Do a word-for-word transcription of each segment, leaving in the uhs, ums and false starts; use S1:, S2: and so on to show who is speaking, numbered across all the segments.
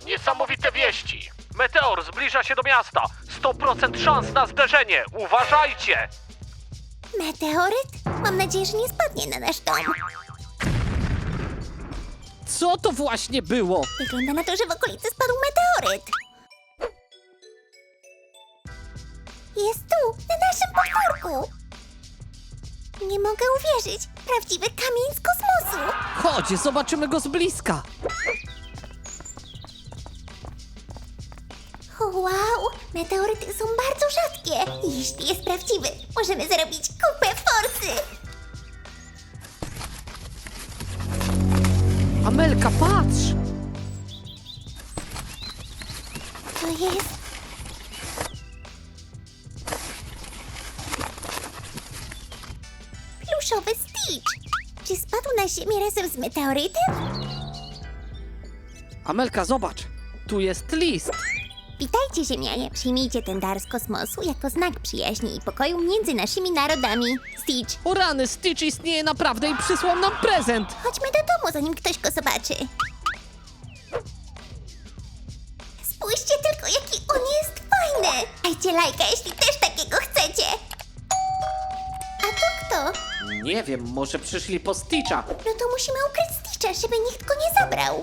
S1: Niesamowite wieści! Meteor zbliża się do miasta! sto procent szans na zderzenie! Uważajcie!
S2: Meteoryt? Mam nadzieję, że nie spadnie na nasz dom.
S3: Co to właśnie było?
S2: Wygląda na to, że w okolicy spadł meteoryt. Jest tu, na naszym podwórku. Nie mogę uwierzyć. Prawdziwy kamień z kosmosu.
S3: Chodź, zobaczymy go z bliska.
S2: O, wow, meteoryty są bardzo rzadkie. Jeśli jest prawdziwy, możemy zarobić kupę forsy.
S3: Amelka, patrz!
S2: To jest... pluszowy Stitch. Czy spadł na ziemię razem z meteorytem?
S3: Amelka, zobacz! Tu jest list.
S2: Witajcie, Ziemianie. Przyjmijcie ten dar z kosmosu jako znak przyjaźni i pokoju między naszymi narodami. Stitch,
S3: O rany, Stitch istnieje naprawdę i przysłał nam prezent.
S2: chodźmy do domu, zanim ktoś go zobaczy. Spójrzcie tylko, jaki on jest fajny! Dajcie lajka, jeśli też takiego chcecie! A to kto?
S3: Nie wiem, może przyszli po Stitcha.
S2: No to musimy ukryć Stitcha, żeby nikt go nie zabrał.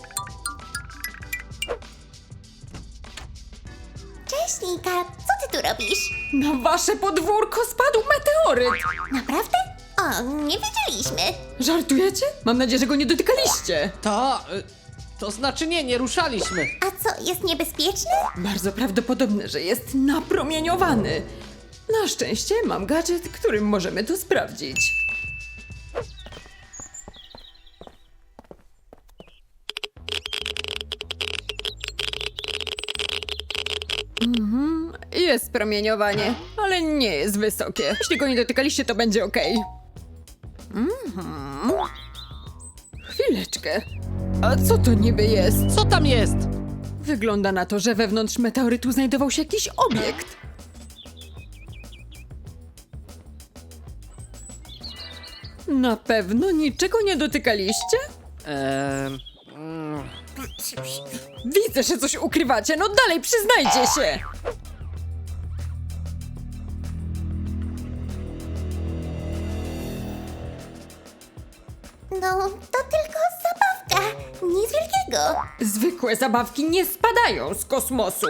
S2: Cześć, Nika. Co ty tu robisz?
S4: Na wasze podwórko spadł meteoryt!
S2: Naprawdę? O, nie wiedzieliśmy.
S4: Żartujecie? Mam nadzieję, że go nie dotykaliście.
S3: To... y, to znaczy nie, nie ruszaliśmy.
S2: A co, jest niebezpieczny?
S4: Bardzo prawdopodobne, że jest napromieniowany. Na szczęście mam gadżet, którym możemy to sprawdzić. Mhm, jest promieniowanie, ale nie jest wysokie. Jeśli go nie dotykaliście, to będzie ok. Mhm. Chwileczkę. A co to niby jest?
S3: Co tam jest?
S4: Wygląda na to, że wewnątrz meteorytu znajdował się jakiś obiekt. Na pewno niczego nie dotykaliście?
S3: Eee, mm,
S4: Widzę, że coś ukrywacie, no dalej przyznajcie się!
S2: No, to tylko zabawka. Nic wielkiego.
S4: Zwykłe zabawki nie spadają z kosmosu.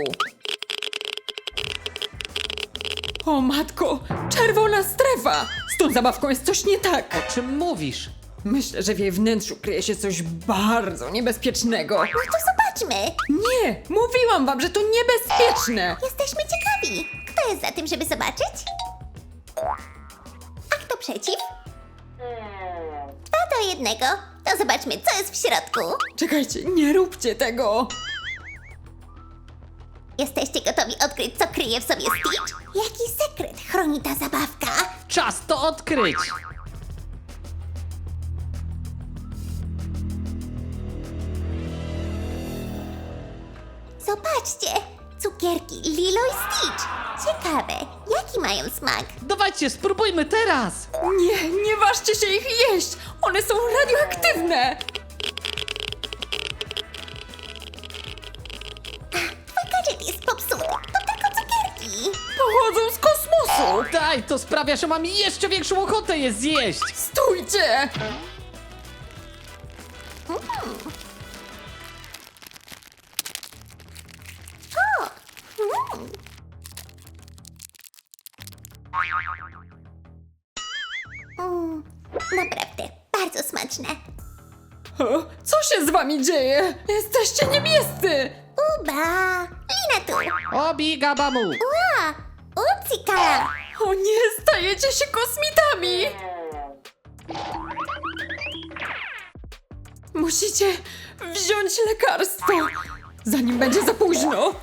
S4: O matko, czerwona strefa! Z tą zabawką jest coś nie tak.
S3: o czym mówisz?
S4: Myślę, że w jej wnętrzu kryje się coś bardzo niebezpiecznego.
S2: No to zobaczmy.
S4: Nie, mówiłam wam, że to niebezpieczne!
S2: Jesteśmy ciekawi. Kto jest za tym, żeby zobaczyć? A kto przeciw? Dwa do jednego. To zobaczmy, co jest w środku.
S4: Czekajcie, nie róbcie tego!
S2: Jesteście gotowi odkryć, co kryje w sobie Stitch? Jaki sekret chroni ta zabawka?
S3: Czas to odkryć!
S2: Zobaczcie! Cukierki Lilo i Stitch. Ciekawe, jaki mają smak?
S3: Dawajcie, spróbujmy teraz!
S4: Nie, nie ważcie się ich jeść! One są radioaktywne!
S2: Twój gadżet jest popsuty. To tylko cukierki.
S4: Pochodzą z kosmosu!
S3: Daj, to sprawia, że mam jeszcze większą ochotę je zjeść!
S4: Stójcie!
S2: Mm, naprawdę, bardzo smaczne.
S4: O, co się z wami dzieje? Jesteście niebiescy!
S2: Uba! Lina tu!
S3: Obi gabamu!
S2: Ła! Upsika!
S4: O nie, stajecie się kosmitami! Musicie wziąć lekarstwo, zanim będzie za późno.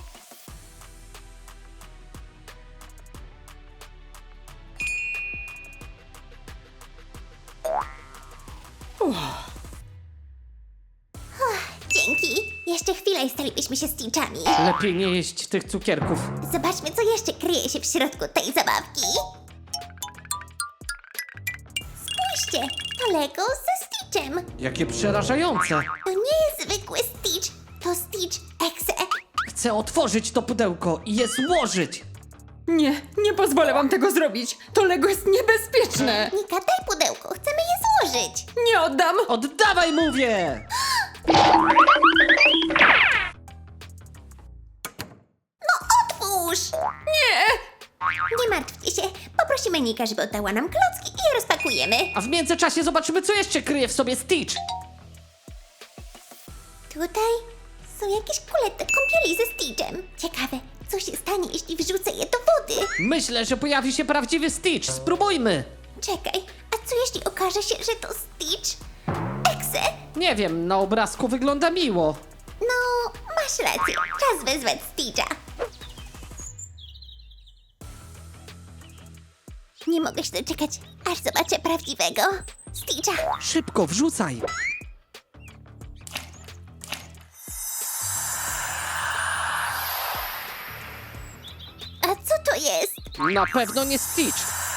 S2: Dzięki! Jeszcze chwilę i stalibyśmy się Stitchami.
S3: Lepiej nie jeść tych cukierków.
S2: Zobaczmy, co jeszcze kryje się w środku tej zabawki. Spójrzcie, to Lego ze Stitchem.
S3: Jakie przerażające!
S2: To nie jest zwykły Stitch. To Stitch
S3: Chcę otworzyć to pudełko i je złożyć.
S4: Nie, nie pozwolę wam tego zrobić. To Lego jest niebezpieczne.
S2: Nika, daj pudełko, chcemy je złożyć.
S4: Nie oddam.
S3: Oddawaj, mówię!
S2: Otwórz!
S4: Nie.
S2: Nie martwcie się, poprosimy Nika, żeby oddała nam klocki i je rozpakujemy.
S3: A w międzyczasie zobaczymy, co jeszcze kryje w sobie Stitch.
S2: Tutaj są jakieś kule do kąpieli ze Stitchem. Ciekawe, co się stanie, jeśli wrzucę je do wody?
S3: Myślę, że pojawi się prawdziwy Stitch. Spróbujmy.
S2: Czekaj, a co jeśli okaże się, że to Stitch? Exe?
S3: Nie wiem, na obrazku wygląda miło.
S2: No, masz rację, czas wezwać Stitcha. Nie mogę się doczekać, aż zobaczę prawdziwego Stitcha.
S3: Szybko, wrzucaj.
S2: A co to jest?
S3: Na pewno nie Stitch.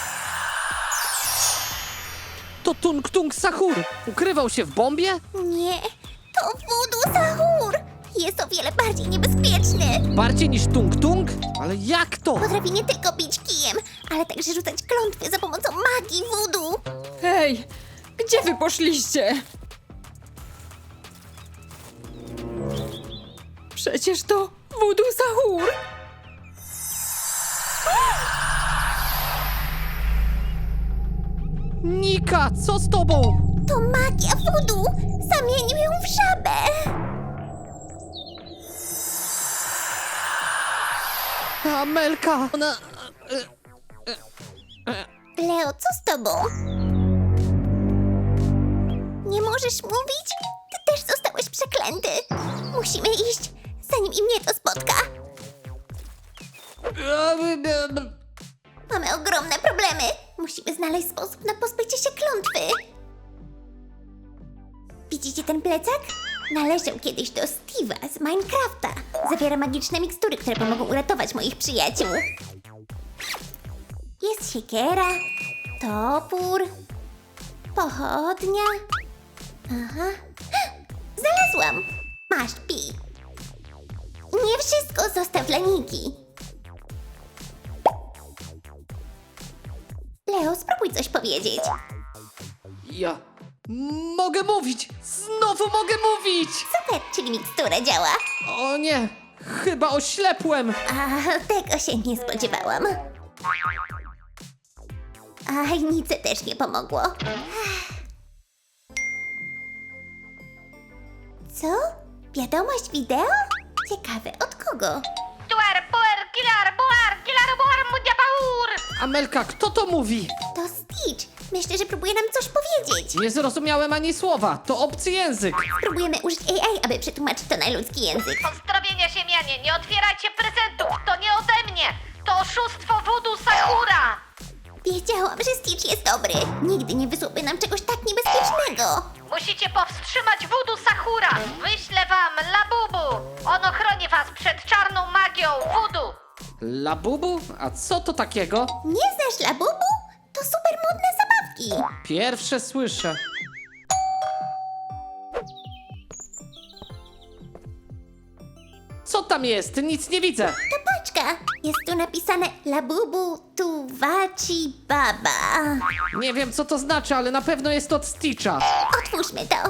S3: To Tung Tung Sahur. Ukrywał się w bombie?
S2: Nie, to Voodoo Sahur. Jest o wiele bardziej niebezpieczny.
S3: Bardziej niż Tung Tung? Ale jak to?
S2: Potrafi nie tylko bić kijem, ale także rzucać klątwy za pomocą magii voodoo.
S4: Hej, gdzie wy poszliście? Przecież to Voodoo Sahur.
S3: Nika, co z tobą?
S2: To magia voodoo. Zamienił ją w żabę.
S3: Amelka, ona...
S2: Leo, co z tobą? Nie możesz mówić? Ty też zostałeś przeklęty. Musimy iść, zanim i mnie to spotka. Mamy ogromne problemy. Musimy znaleźć sposób na pozbycie się klątwy. Widzicie ten plecak? Należał kiedyś do Steve'a z Minecrafta. Zawiera magiczne mikstury, które pomogą uratować moich przyjaciół. Jest siekiera, topór, pochodnia. Aha. Znalazłam! Masz, pij. Nie wszystko zostaw dla Niki. Leo, spróbuj coś powiedzieć.
S3: Ja... Mogę mówić! Znowu mogę mówić!
S2: Super, czyli mikstura działa.
S3: O nie, chyba oślepłem!
S2: A tego się nie spodziewałam. A Nice też nie pomogło. Co? Wiadomość wideo? Ciekawe, od kogo?
S5: Tuar, puer, kilar, buar, kilar, buar, mudia, baur!
S3: Amelka, kto to mówi?
S2: To Stitch. Myślę, że próbuje nam coś powiedzieć.
S3: Nie zrozumiałem ani słowa, to obcy język.
S2: Spróbujemy użyć A I, aby przetłumaczyć to na ludzki język.
S5: Pozdrowienia ziemianie, nie otwierajcie prezentów, to nie ode mnie! To oszustwo Voodoo Sahura!
S2: Wiedziałam, że Stitch jest dobry. Nigdy nie wysłałby nam czegoś tak niebezpiecznego.
S5: Musicie powstrzymać Voodoo Sahura! Wyślę wam Labubu! On ochroni was przed czarną magią Voodoo!
S3: Labubu? A co to takiego?
S2: Nie znasz Labubu? To super modne zabawki.
S3: Pierwsze słyszę. Co tam jest? Nic nie widzę.
S2: To paczka. Jest tu napisane Labubu Tuwaci Baba.
S3: Nie wiem, co to znaczy, ale na pewno jest od Stitcha.
S2: Otwórzmy to.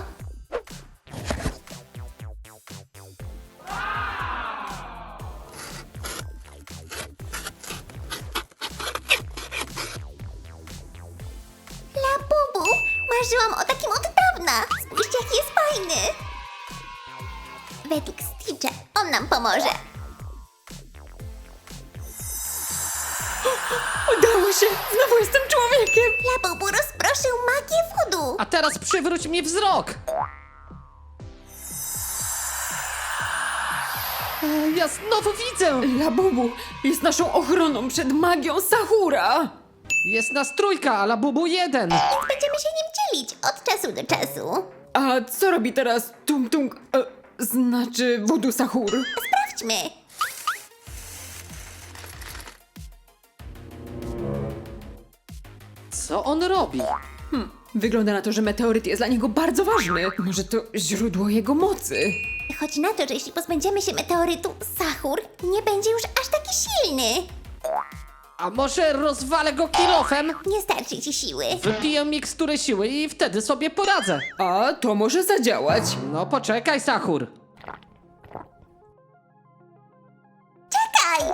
S2: Labubu, marzyłam o takim od dawna. Spójrzcie, jaki jest fajny. Według Stitcha on nam pomoże.
S4: Udało się! Znowu jestem człowiekiem!
S2: Labubu rozproszył magię voodoo.
S3: A teraz przywróć mi wzrok. E, Ja znowu widzę.
S4: Labubu jest naszą ochroną przed magią Sahura!
S3: Jest nas trójka, a Labubu jeden.
S2: Więc będziemy się nim dzielić od czasu do czasu.
S4: A co robi teraz Tung Tung... E, znaczy Voodoo Sahur?
S2: Sprawdźmy.
S3: Co on robi?
S4: Wygląda na to, że meteoryt jest dla niego bardzo ważny. Może to źródło jego mocy.
S2: Chodzi na to, że jeśli pozbędziemy się meteorytu, Sahur nie będzie już aż taki silny.
S3: A może rozwalę go kilofem?
S2: Nie starczy ci siły.
S3: Wypiję miksturę siły i wtedy sobie poradzę.
S4: A to może zadziałać.
S3: No poczekaj, Sahur.
S2: Czekaj!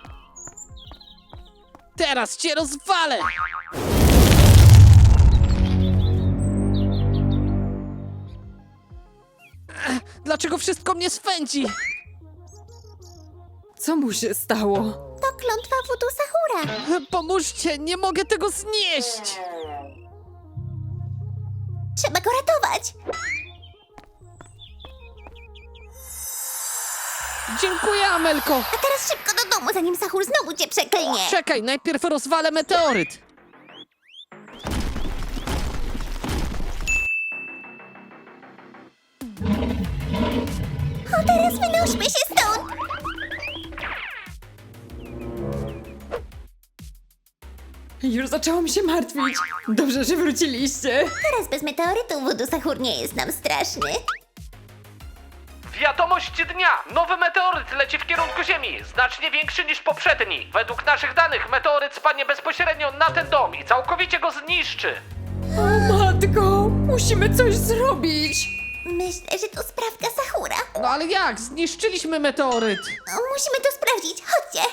S3: Teraz cię rozwalę! Ech, Dlaczego wszystko mnie swędzi?
S4: Co mu się stało?
S2: To klątwa wudu Sahura.
S3: Pomóżcie, nie mogę tego znieść!
S2: Trzeba go ratować.
S3: Dziękuję, Amelko!
S2: A teraz szybko do domu, zanim Sahur znowu cię przeklnie.
S3: Czekaj, najpierw rozwalę meteoryt.
S2: O, teraz wynośmy się stąd.
S4: Już zaczęłam się martwić. Dobrze, że wróciliście.
S2: Teraz bez meteorytu wudu Sahur nie jest nam straszny.
S1: Wiadomość dnia! Nowy meteoryt leci w kierunku Ziemi, znacznie większy niż poprzedni. Według naszych danych meteoryt spadnie bezpośrednio na ten dom i całkowicie go zniszczy.
S4: O matko, musimy coś zrobić.
S2: Myślę, że to sprawka Sahura.
S3: No ale jak? Zniszczyliśmy meteoryt.
S2: O, musimy to sprawdzić. Chodźcie.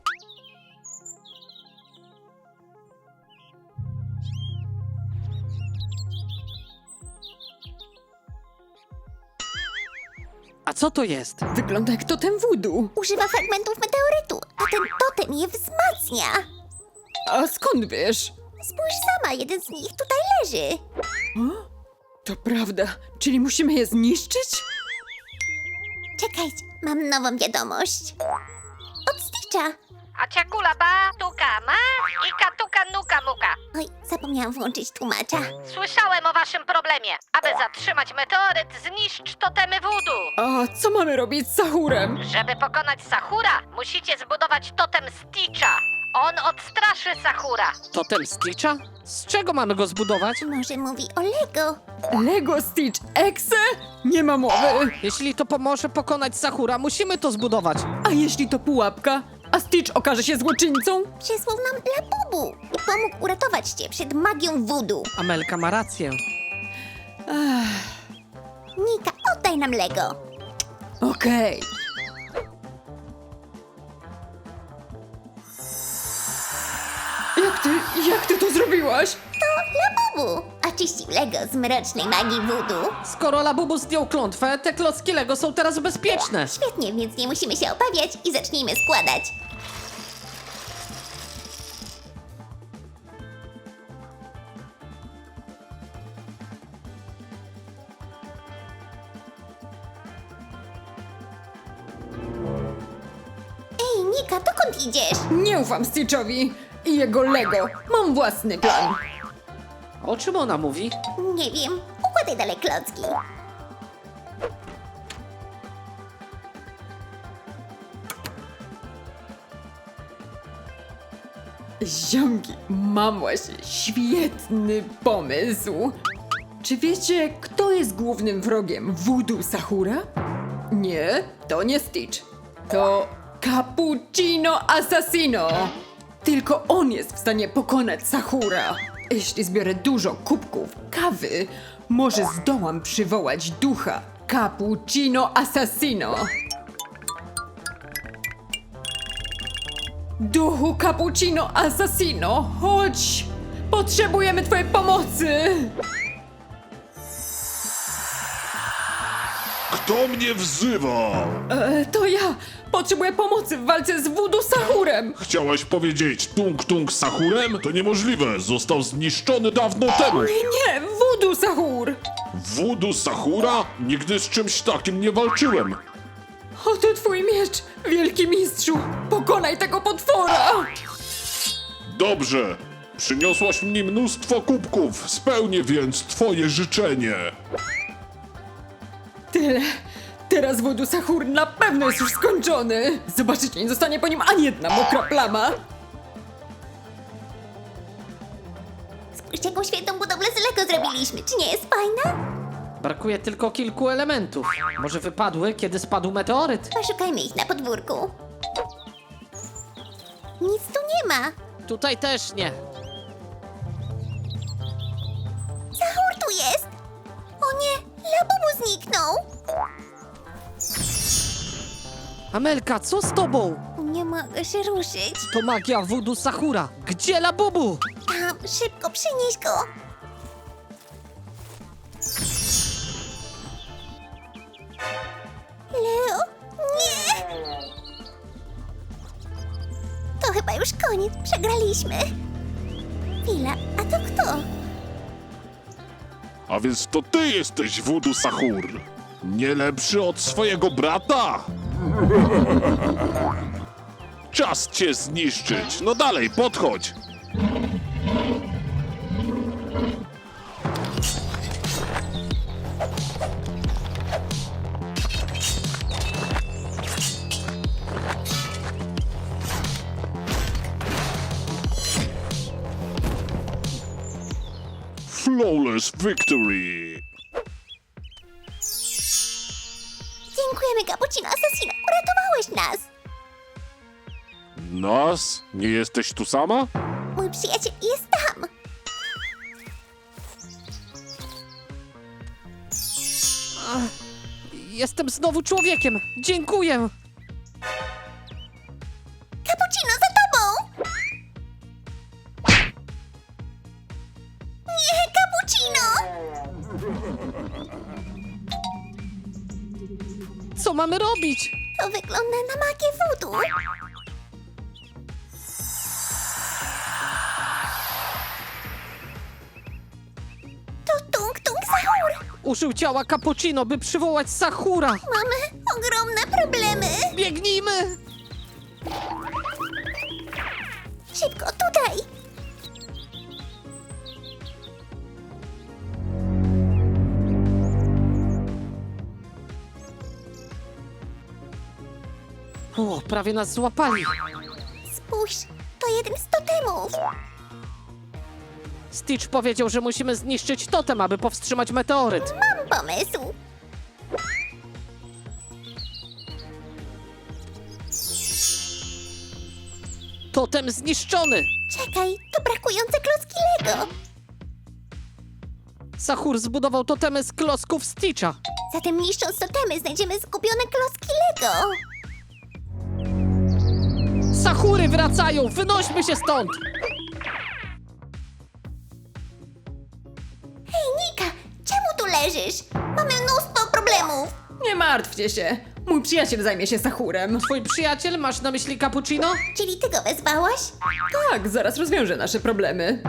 S3: A co to jest?
S4: Wygląda jak totem voodoo.
S2: Używa fragmentów meteorytu, a ten totem je wzmacnia.
S4: A skąd wiesz?
S2: Spójrz sama, jeden z nich tutaj leży.
S4: To prawda, czyli musimy je zniszczyć?
S2: Czekajcie, mam nową wiadomość. Od Stitcha.
S5: A ciakula ba, tuka ma i katuka nuka muka.
S2: Oj, zapomniałam włączyć tłumacza.
S5: Słyszałem o waszym problemie. Aby zatrzymać meteoryt, zniszcz totemy voodoo.
S4: A co mamy robić z Sahurem?
S5: Żeby pokonać Sahura, musicie zbudować totem Stitcha. On odstraszy Sahura.
S3: Totem Stitcha? Z czego mamy go zbudować?
S2: Może mówi o Lego.
S4: Lego Stitch Exe? Nie ma mowy.
S3: Jeśli to pomoże pokonać Sahura, musimy to zbudować.
S4: A jeśli to pułapka? A Stitch okaże się złoczyńcą?
S2: Przysłał nam Labubu i pomógł uratować cię przed magią voodoo.
S3: Amelka ma rację.
S2: Nika, oddaj nam Lego.
S4: Okej. Jak ty, jak ty to zrobiłaś?
S2: To Labubu oczyścił Lego z mrocznej magii voodoo.
S3: Skoro Labubu zdjął klątwę, te klocki Lego są teraz bezpieczne.
S2: Świetnie, więc nie musimy się obawiać i zacznijmy składać. Ej, Nika, dokąd idziesz?
S4: Nie ufam Stitchowi i jego Lego. Mam własny plan.
S3: O czym ona mówi?
S2: Nie wiem, układaj dalej klocki.
S4: Ziomki, mam właśnie świetny pomysł. Czy wiecie, kto jest głównym wrogiem voodoo Sahura? Nie, to nie Stitch. To Cappuccino Assassino. Tylko on jest w stanie pokonać Sahura. Jeśli zbiorę dużo kubków kawy, może zdołam przywołać ducha Cappuccino Assassino. Duchu Cappuccino Assassino, chodź! Potrzebujemy twojej pomocy!
S6: Kto mnie wzywa?
S4: E, to ja! Potrzebuję pomocy w walce z voodoo Sahurem!
S6: Chciałaś powiedzieć Tung Tung Sahurem? To niemożliwe, został zniszczony dawno temu.
S4: Nie, voodoo Sahur!
S6: Voodoo Sahura? Nigdy z czymś takim nie walczyłem.
S4: Oto twój miecz, wielki mistrzu! Pokonaj tego potwora!
S6: Dobrze, przyniosłaś mi mnóstwo kubków, spełnię więc twoje życzenie.
S4: Tyle. Teraz voodoo Sahur na pewno jest już skończony. Zobaczycie, nie zostanie po nim ani jedna mokra plama.
S2: Spójrzcie, jaką świetną budowlę z Lego zrobiliśmy. Czy nie jest fajna?
S3: Brakuje tylko kilku elementów. Może wypadły, kiedy spadł meteoryt?
S2: Poszukajmy ich na podwórku. Nic tu nie ma.
S3: Tutaj też nie.
S2: Sahur tu jest! O nie, Labubu zniknął!
S3: Amelka, co z tobą?
S2: Nie mogę się ruszyć.
S3: To magia Voodoo Sahura. Gdzie Labubu?
S2: Tam, szybko, przynieś go! Leo? Nie! To chyba już koniec, przegraliśmy. Chwila, a to kto?
S6: A więc to ty jesteś Voodoo Sahur. Nie lepszy od swojego brata? Czas cię zniszczyć. No dalej, podchodź. Flawless victory.
S2: Dziękujemy, Cappuccino Assassino, uratowałeś nas!
S6: Nas? Nie jesteś tu sama?
S2: Mój przyjaciel jest tam!
S3: Jestem znowu człowiekiem. Dziękuję.
S2: Cappuccino, za tobą! Nie, Cappuccino!
S3: Co mamy robić?
S2: To wygląda na magię voodoo. To Tung Tung Sahur!
S3: Użył ciała Cappuccino, by przywołać Sahura.
S2: Mamy ogromne problemy!
S3: Biegnijmy!
S2: Szybko, tutaj!
S3: O, prawie nas złapali.
S2: Spójrz, to jeden z totemów!
S3: Stitch powiedział, że musimy zniszczyć totem, aby powstrzymać meteoryt.
S2: Mam pomysł!
S3: Totem zniszczony!
S2: Czekaj, to brakujące klocki Lego!
S3: Sahur zbudował totemy z klocków Stitcha.
S2: Zatem niszcząc totemy znajdziemy zgubione klocki Lego!
S3: Sahury wracają! Wynośmy się stąd!
S2: Hej, Nika, czemu tu leżysz? Mamy mnóstwo problemów!
S4: Nie martwcie się. Mój przyjaciel zajmie się Sahurem.
S3: Twój przyjaciel, masz na myśli Cappuccino?
S2: Czyli ty go wezwałaś?
S4: Tak, zaraz rozwiąże nasze problemy.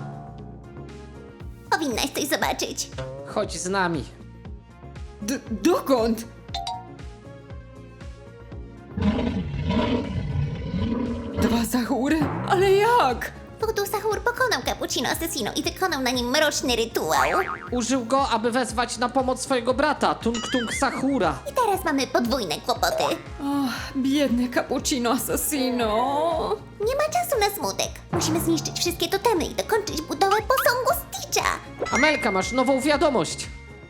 S2: Powinnaś coś zobaczyć.
S3: Chodź z nami.
S4: D dokąd? Dwa Sahury? Ale jak?
S2: Voodoo Sahur pokonał Cappuccino Assassino i wykonał na nim mroczny rytuał.
S3: Użył go, aby wezwać na pomoc swojego brata, Tung Tung Sahura.
S2: I teraz mamy podwójne kłopoty.
S4: Och, biedny Cappuccino Assassino.
S2: Nie ma czasu na smutek. Musimy zniszczyć wszystkie totemy i dokończyć budowę posągu Stitcha.
S3: Amelka, masz nową wiadomość.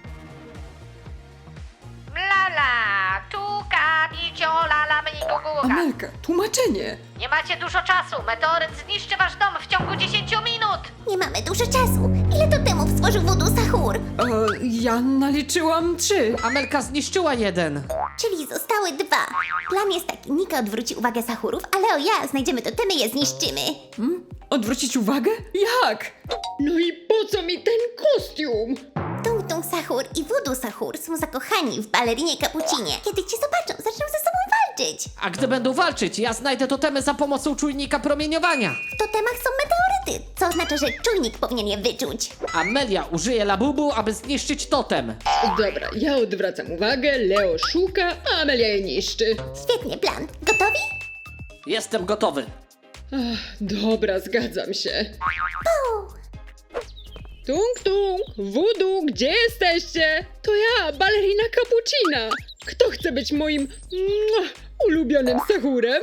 S5: Lala, tuka, nicio, lala, mniguguga.
S4: Amelka, tłumaczenie.
S5: Nie macie dużo czasu. Meteoryt zniszczy wasz dom w ciągu dziesięciu minut.
S2: Nie mamy dużo czasu. Ile totemów stworzył Voodoo Sahur?
S4: E, ja naliczyłam trzy.
S3: Amelka zniszczyła jeden.
S2: Czyli zostały dwa. Plan jest taki, Nika odwróci uwagę Sahurów, a Leo ja znajdziemy totemy i je zniszczymy.
S4: Hmm? Odwrócić uwagę? Jak? No i po co mi ten kostium?
S2: Tung Tung Sahur i Voodoo Sahur są zakochani w balerinie Cappuccinie. Kiedy cię zobaczą, zaczną ze sobą walczyć.
S3: A gdy będą walczyć, ja znajdę totemy za pomocą czujnika promieniowania.
S2: W totemach są meteoryty, co oznacza, że czujnik powinien je wyczuć.
S3: Amelia użyje Labubu, aby zniszczyć totem.
S4: Dobra, ja odwracam uwagę, Leo szuka, a Amelia je niszczy.
S2: Świetny plan. Gotowi?
S3: Jestem gotowy.
S4: Ach, dobra, zgadzam się.
S2: Puu!
S4: Tung Tung, Voodoo, gdzie jesteście? To ja, balerina Cappuccina. Kto chce być moim mua, ulubionym Sahurem?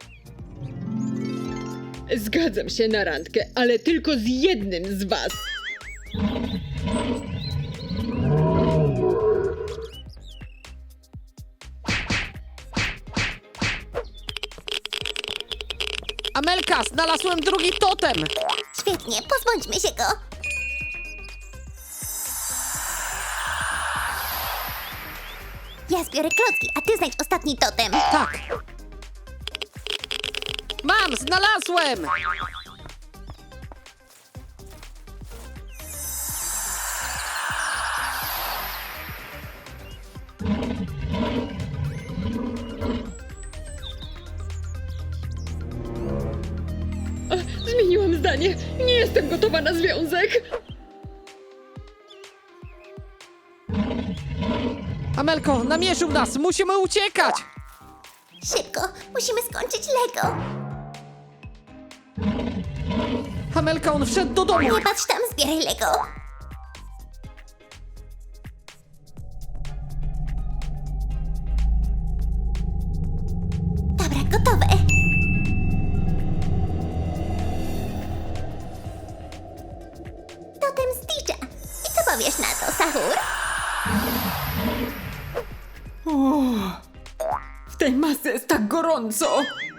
S4: Zgadzam się na randkę, ale tylko z jednym z was.
S3: Amelka, znalazłem drugi totem!
S2: Świetnie, pozbądźmy się go. Ja zbiorę klocki, a ty znajdź ostatni totem.
S3: Tak. Mam, znalazłem!
S4: Zmieniłam zdanie. Nie jestem gotowa na związek.
S3: Amelko, namierzył nas, musimy uciekać!
S2: Szybko, musimy skończyć Lego.
S3: Amelka, on wszedł do domu!
S2: Nie patrz tam, zbieraj Lego. Dobra, gotowe. Totem Stitcha. I co powiesz na to, Sahur?
S4: W tej masce jest tak gorąco.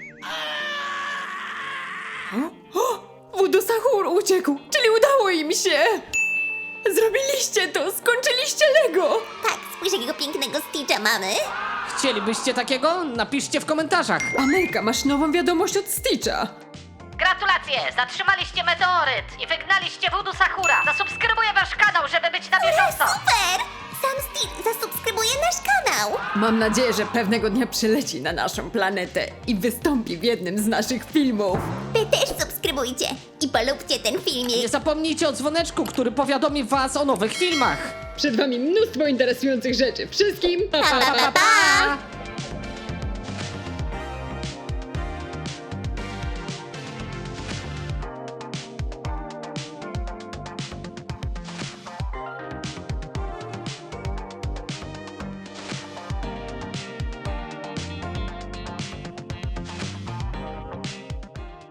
S4: O, o, Voodoo Sahur uciekł, czyli udało im się. Zrobiliście to, skończyliście Lego.
S2: Tak, spójrz jakiego pięknego Stitcha mamy.
S3: Chcielibyście takiego? Napiszcie w komentarzach.
S4: Amelka, masz nową wiadomość od Stitcha.
S5: Gratulacje! Zatrzymaliście meteoryt i wygnaliście Voodoo Sahura. Zasubskrybuję wasz kanał, żeby być na bieżąco.
S2: Super! Sam Stitch zasubskrybuje nasz kanał.
S4: Mam nadzieję, że pewnego dnia przyleci na naszą planetę i wystąpi w jednym z naszych filmów.
S2: Wy też subskrybujcie i polubcie ten filmik.
S3: Nie zapomnijcie o dzwoneczku, który powiadomi was o nowych filmach.
S4: Przed wami mnóstwo interesujących rzeczy. Wszystkim
S2: Pa, pa, pa, pa!